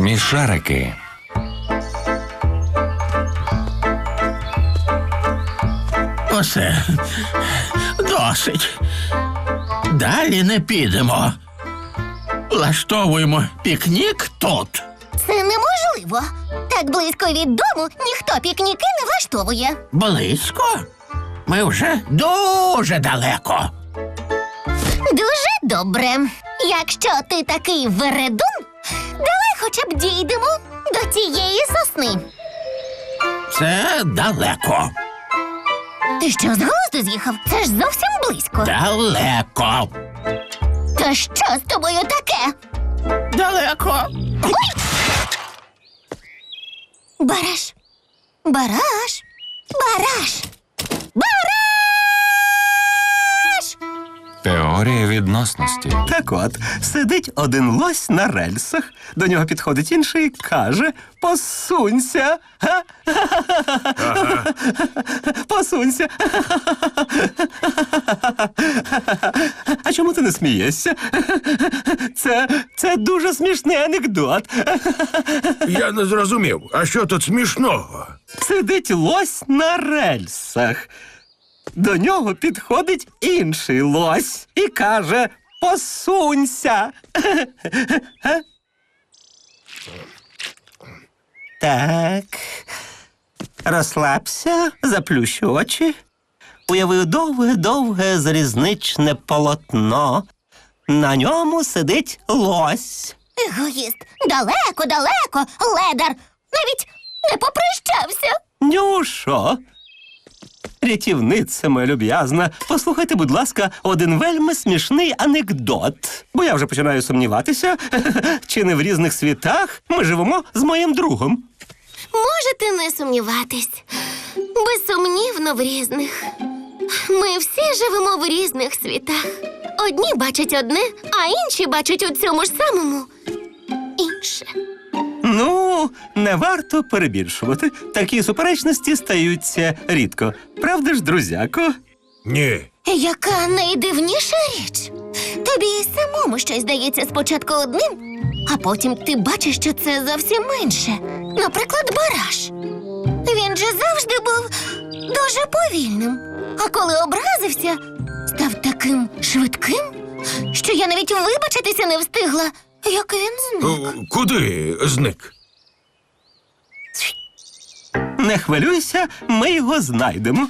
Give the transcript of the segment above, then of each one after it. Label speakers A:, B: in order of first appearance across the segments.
A: Смішарики.
B: Усе. Досить. Далі не підемо. Влаштовуємо пікнік тут.
C: Це неможливо. Так близько від дому ніхто пікніки не влаштовує.
B: Близько? Ми вже дуже далеко.
C: Дуже добре. Якщо ти такий вередун, давай хоча б дійдемо до цієї сосни.
B: Це далеко.
C: Ти що, з глузду з'їхав? Це ж зовсім близько.
B: Далеко.
C: Та що з тобою таке?
B: Далеко.
C: Бараш. Бараш. Бараш. Бараш!
A: Теорія відносності.
D: Так от, сидить один лось на рельсах, до нього підходить інший і каже: «Посунься!» Га? «Посунься!» А чому ти не смієшся? Це дуже смішний анекдот.
E: Я не зрозумів, а що тут смішного?
D: Сидить лось на рельсах. До нього підходить інший лось і каже: «Посунься!» Так. Розслабся, заплющу очі. Уяви довге-довге залізничне полотно. На ньому сидить лось.
C: Егоїст. Далеко, ледар. Навіть не попрощався.
D: Нюшо. Рятівниця моя люб'язна, послухайте, будь ласка, один вельми смішний анекдот. Бо я вже починаю сумніватися, чи не в різних світах ми живемо з моїм другом.
C: Можете не сумніватись. Безсумнівно в різних. Ми всі живемо в різних світах. Одні бачать одне, а інші бачать у цьому ж самому інше.
D: Ну, не варто перебільшувати. Такі суперечності стаються рідко. Правда ж, друзяко?
E: Ні.
C: Яка найдивніша річ. Тобі і самому щось здається спочатку одним, а потім ти бачиш, що це зовсім інше. Наприклад, бараш. Він же завжди був дуже повільним. А коли образився, став таким швидким, що я навіть вибачитися не встигла, як він зник.
E: Куди зник?
D: Не хвилюйся, ми його знайдемо.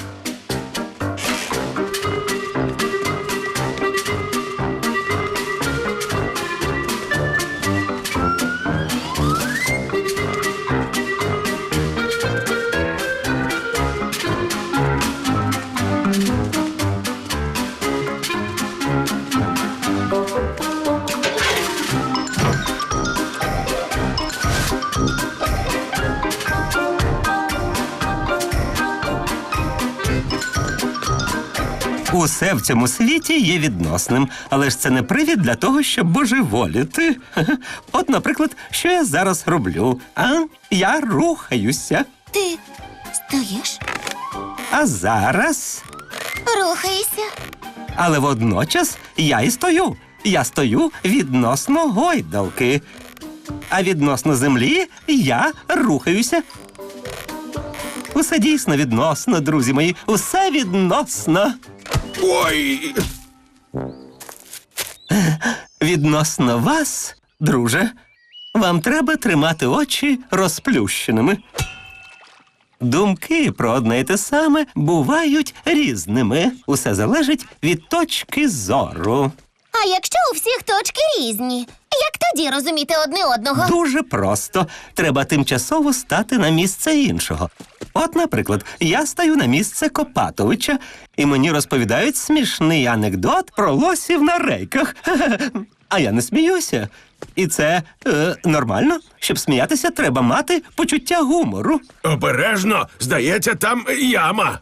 D: Усе в цьому світі є відносним, але ж це не привід для того, щоб божеволіти. От, наприклад, що я зараз роблю? Я рухаюся.
C: Ти стоїш,
D: А зараз...
C: рухаєшся.
D: Але водночас я і стою. Я стою відносно гойдалки. А відносно землі я рухаюся. Усе дійсно відносно, друзі мої. Усе відносно.
E: Ой!
D: Відносно вас, друже, вам треба тримати очі розплющеними. Думки про одне й те саме бувають різними. Усе залежить від точки зору.
C: А якщо у всіх точки різні, як тоді розуміти одне одного?
D: Дуже просто. Треба тимчасово стати на місце іншого. От, наприклад, я стаю на місце Копатовича, і мені розповідають смішний анекдот про лосів на рейках. А я не сміюся. І це нормально. Щоб сміятися, треба мати почуття гумору.
E: Обережно, здається, там яма.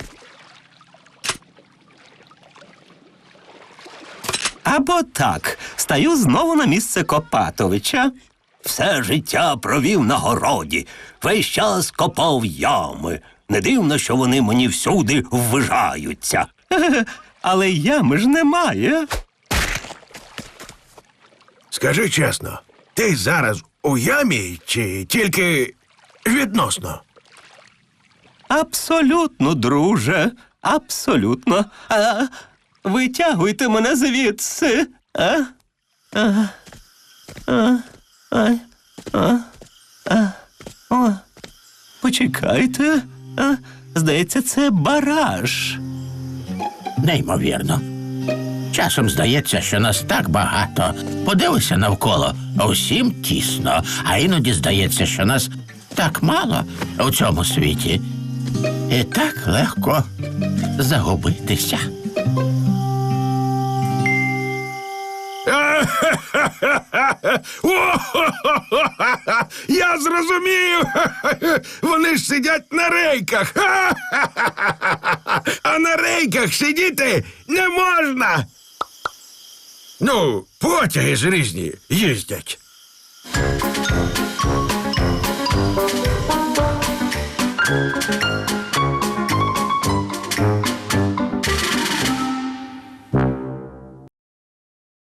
D: Або так, стаю знову на місце Копатовича. Все життя провів на городі, весь час копав ями. Не дивно, що вони мені всюди ввижаються. Але ями ж немає.
E: Скажи чесно, ти зараз у ямі чи тільки відносно?
D: Абсолютно, друже. Абсолютно. Витягуйте мене звідси. Почекайте. Здається, це бараж.
B: Неймовірно. Часом здається, що нас так багато. Подивися навколо, усім тісно, а іноді здається, що нас так мало у цьому світі. І так легко загубитися.
E: Я зрозумів! Вони ж сидять на рейках! А на рейках сидіти не можна! Ну, потяги ж різні їздять.